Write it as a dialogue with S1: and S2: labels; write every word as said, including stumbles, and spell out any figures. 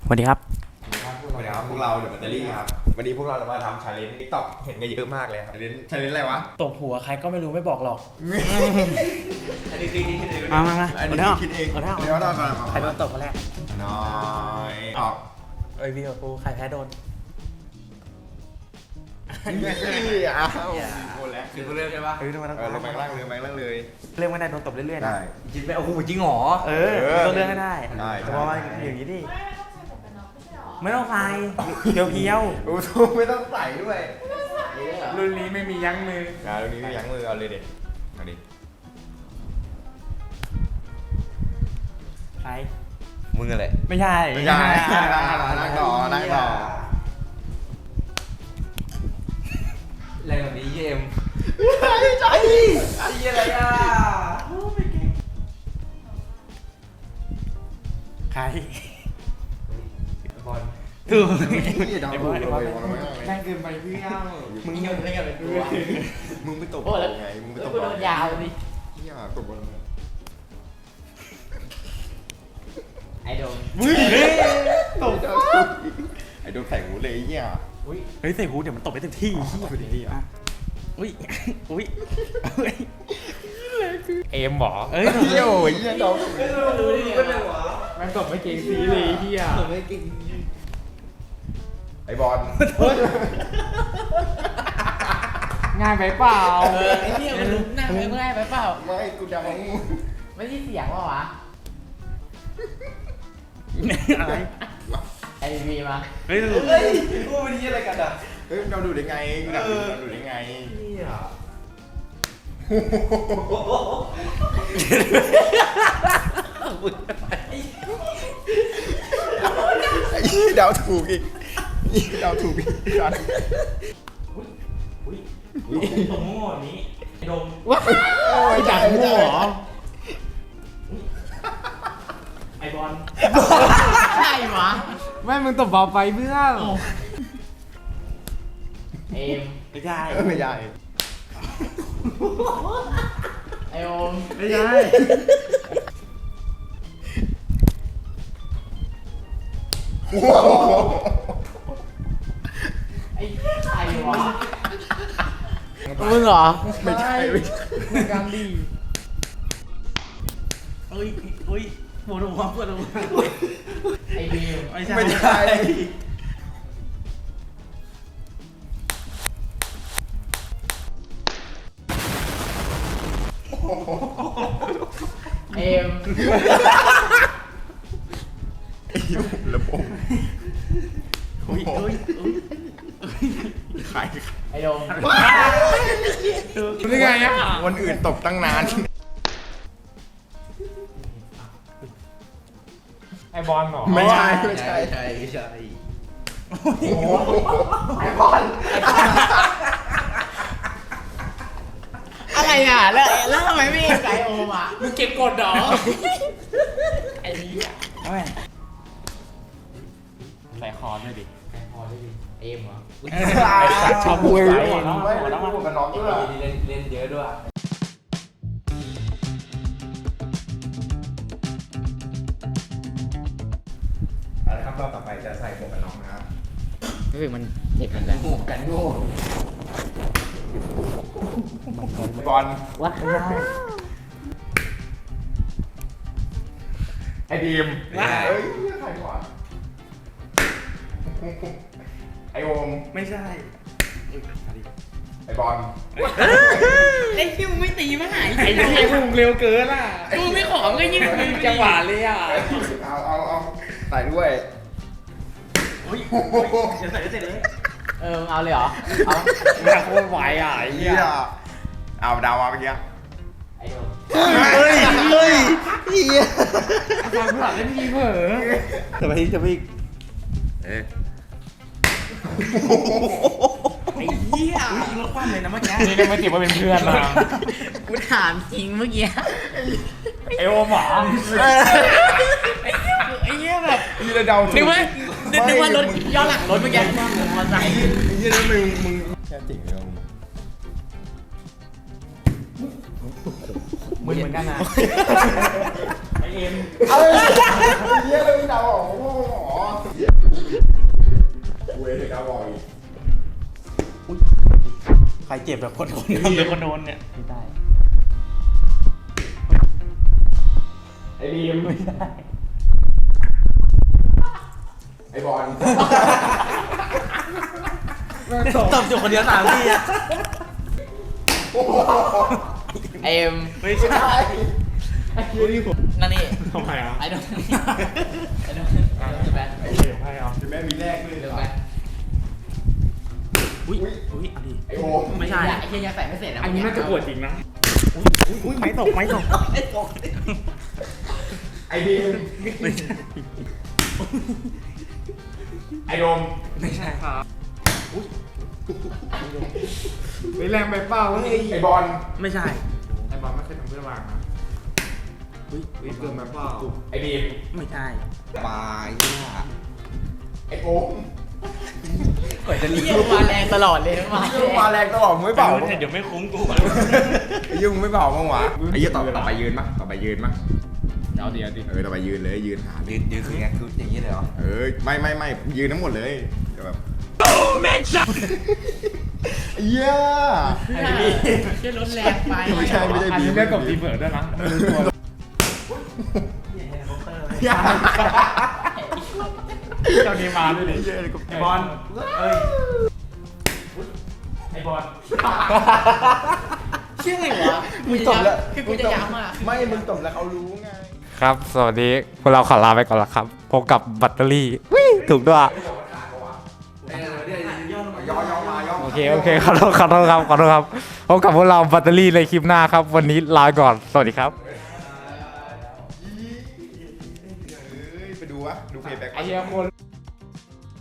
S1: สวัสดีครับ
S2: สวัสดีครับพวกเราเดอะแบตเตอรี่ครับวันนี้พวกเราจะมาทำชาเลนจ์ติ๊กต็อกเห็นกันเยอะมากเลยครับชาเลนจ์ชาเลนจ์อะไรวะ
S1: ตบหัวใครก็ไม่รู้ไม่บอกหรอก
S2: อันนี้คือคิดเอง
S1: มามามา
S2: อันนี้คือคิดเองเดี๋ยวเรามา
S1: ใครโดนตบคนแรก
S2: น้อยออก
S1: เอ้ยพี่กับกูใครแพ้โดน
S2: นี่อ้าวโคนแล้ว
S3: คือเรื่องใช่ปะ
S1: เออมาต้อง
S2: เออลงไปล่างเลยไปล่างเลย
S1: เรื่องไม่ได้โดนตบเรื่อยๆนะ
S2: ได้
S3: จริงไปโอ้โหจริงหรอ
S1: เออต้องเรื่องให้ได้
S2: ได้
S1: แต่ว่าอย่างนี้ดิไม่ต้องใส่เพียว
S2: โอ้โหไม่ต้องใส่ด้วย
S3: รุ่นนี้ไม่มียั้งมือ
S2: อ่าตรงนี้ยั้งมือเอาเลยเด็ดเอาดิ
S1: ๆใคร
S2: มึงอะไร
S1: ไม่ใช่
S2: ไม่ใช่นั่งต่อนั่งต่อ
S3: อะไรแบบนี้เยม
S2: ใช่ใช่
S3: ไอ้อะไรอ่ะ
S1: ใคร
S3: บอล
S1: ถูก
S2: นี่ดาวถูกเลย
S3: แม่งเกินไปเพื่อน
S2: มึง
S3: เงินอะไรกันเป็นตัว
S2: มึงไปตบไงมึงไปตบ
S3: กูโดนยาวดิ
S2: เฮียตบบอล
S3: ไอโดน
S1: มึงตบ
S2: ไอ้โดนใส่หูเลยเฮีย
S3: อุ้ย
S1: เฮ้ยใส่หูเดี๋ยวมันตบไปเต็มที่
S2: ตบไปดีอ่ะ
S1: อุ้ยอุ้ย
S3: เอ็มหรอ
S1: เอ้ย
S2: เฮียโอ้ยเฮียดาว
S3: รู้ดิไม่เป็นหรอแม่งตบไม่เก่งสีเลยเฮียตบไม่เก่ง
S2: ไอ้บอล
S3: ง่ายไปเปล่าไอ้เหี้ยมันหน้าไปง่ายไปเปล่า
S2: ไม่กูดาว
S3: ไม่ใช่เสียงว่าวะ
S1: อะไร
S3: ไอวีมา
S1: เฮ้ย
S2: เฮ้ยกูเป็นเฮียอะไรกันอ่ะเฮ้ยเราดูได้ไงกูดักเราดูได้ไง
S3: เฮีย
S2: ไอ้เฮียดาวถูกอีกดาวถูกอีกสัตว์
S1: อุ้ยตบโง่แบบนี้ไอ้ดม
S2: ไอ้ดักโง่เหรอ
S1: ไอ้บอล
S3: ใช่หรอแม่มึงตบเบาไปเพื่อนเอ็ม
S1: ไม่ใช่
S2: ไม่ใช่
S3: ไอโอม
S1: ไม่ใช่
S3: ไอ้ใครวะมึงเหรอ
S2: ไม่ใช่ไม่ใช่
S3: มึงกันดี
S1: เอ้ยเอ้ยปวดหัวปวดหัว
S3: ไอ้บีม
S1: ไม่ใช่
S2: ไม่ใช่
S3: เอ็ม
S2: ระบบ
S1: อุ้ยอุ้ยอุ้ย
S2: ใคร
S3: ไอ้โดม
S2: นี่ไงอ่ะวันอื่นตบตั้งนาน
S3: ไอ้บอลเหรอ
S2: ไม่ใช่ไม่ใช่
S3: ใช่ใช่
S2: ไอ้บอล
S3: อะไรอ่ะแล้วแล้วทำไมไม่ไก่โอมอ่ะมึงเก็บกดเหรอไอ้นี่อ่ะ
S1: เอาไงใส่คอด้วยดิ
S3: พอได้ดิเอ็มเหรอ
S1: ชอบมวย
S2: ไม่
S1: หัวน้อง
S2: ไม่
S1: หัวน้อง
S2: พูดกับน้องด้วย
S3: เล่นเล่นเยอะด้วย
S2: เอาละครับรอบต่อไปจะใส่หมวกกันน็อกนะครับ
S3: รู้สึกมันเจ็บกันแล้วโง่กันโง่
S2: บอล
S3: วัดไม่ได้
S2: ไอ้ดีมเฮ้ยใครวะไอ้โอม
S1: ไม่ใช่
S2: ไอ้บอล
S3: ไอ้คิวไม่ตีมาหาย
S1: ไอ้เหี้ยมึงเร็วเกินอ่ะ
S3: กูไม่ขอมก็ยิ่งจังหวะเลยอ่ะ
S2: เอาเอาเอาใส่ด้วย
S1: อุ้ยจะใส่ได้เสร็จเลย
S3: เออเอาเลยเหรอเอา
S1: แม่โคตรไหวอ่ะไอ้
S2: เฮี
S1: เหี้ย
S2: ยเอาดาวมาเมื่อกี้
S3: ไอ้โดม
S2: เฮ้ยเฮ้ยเฮีย
S3: ฟังเพื่อนเล่นดีเผลอ
S1: จะไปจะไป
S2: เอ๊ะ
S1: ไอ้เหี้ยยิงรถคว่ำเลยนะเมื่อกี้
S3: นี่ก็ไม่ติดว่าเป็นเพื่อนมากูถามจริงเมื่อกี้
S1: ไอโอมหรอ
S3: ไอ้เหี้ยแบบ
S2: นี่เราเดาถูก
S3: นึกว่านึกว่ารถย้อนหลังรถเมื่อกี้มอไซค์
S2: ไอ้เหี้ยนี่มึงมึงแค่จริงเลย
S1: มึงเหมือนกันนะไอเอ็ม
S2: เอาเลยเหี้ยเลยมึงเดาออกโอ้โห
S1: รเจ็บแบบคนคนหรือคนโดนเนี่ยไม่ได้
S2: ไอ้บีม
S1: ไม่ได้
S2: ไอ้บอล
S1: ตบจุกคนเดียวสามทีอะ
S3: เอ็ม
S1: ไม่ใช่
S3: นั่นนี่
S1: ทำไมอ่ะ
S3: ไอ้โดนไอ้โดนไอ้โดนจะแบน
S1: เดี๋ยวให้เอา
S2: จะแม่มีแรกด้วย
S3: เดี๋ยว
S2: เหร
S3: แบ
S2: อน
S1: อุ้ยอุ้ยเอาดิ
S2: ไอ้โอม
S1: ไม่ใช่
S3: ไอ้เหี้ยยังใส่ไม่เสร็จนะ
S1: อันนี้น่าจะปวดจริงนะอุ้ยอุ้ยไม้ตกไม้ตก
S2: ไอ้บีม
S1: ไม่ใช่
S2: ไอ้โดม
S1: ไม่ใช่ครับ
S4: ไปแรงไปเปล่าเฮ้ย
S2: ไอ้บอล
S1: ไม่ใช่
S4: ไอ้บอลไม่เคยทำเพื่อนวางนะ
S1: อุ้ย
S4: เฮ้ยเกินไปเปล่า
S2: ไอ้บีม
S1: ไม่ใช่
S2: ปลาเนี่ยไอ้โอม
S1: กว่าจะ
S3: เหี้
S1: เรี
S3: ย
S1: ยก
S3: มาแรงตลอดเลยมา
S2: ไอ้ยุ่งมาแรงตลอดมึงไม่เบา
S1: เดี๋ยวไม่คุ้มกู
S2: ไอ้ยุ่งไม่เบาบ้างวะไอ้ยี่ต่อต่อไปยืนมั้ยต่อไปยืนมั้ย
S4: เดี๋ยวเดี๋ยวดิ
S2: เออต่อไปยืนเลยยืนหา
S1: ยืนยืนคือไงคืออย่างนี้เลยเหรอ
S2: เออไม่ไม่ไม่ยืนทั้งหมดเลยเดี๋ยวแบบเย้
S3: ไอ้นี่เชี่ยรถแรงไป
S2: ไม่ใช่ไม่ใช่
S4: อัน
S2: บี
S4: นี้
S2: ม
S4: เรียกกับทีเบิร์ดด้วยนะรู้ตัว เจ้านี้มาด้วยดิ
S1: ไอบอลเอ้ยไอบอล
S3: เชี่ยอะไรวะ
S2: มึงจบแล้ว
S3: คือกูจะย้ำอ่ะ
S2: ไม่มึงจบแล้วเขารู้ไง
S5: ครับ สวัสดี พวกเราขอลาไปก่อนละครับ พบกับแบตเตอรี่วิ่ถูกด้วย
S2: ย่อย่อมาย่อ
S5: โอเค โอเค ขอโทษขอโทษครับ ขอโทษครับ พบกับพวกเราแบตเตอรี่ในคลิปหน้าครับ วันนี้ลาไปก่อน สวัสดีครับ
S2: ไปดูวะดูเพย์แบ็ก
S4: ไอ้เหี้ยคน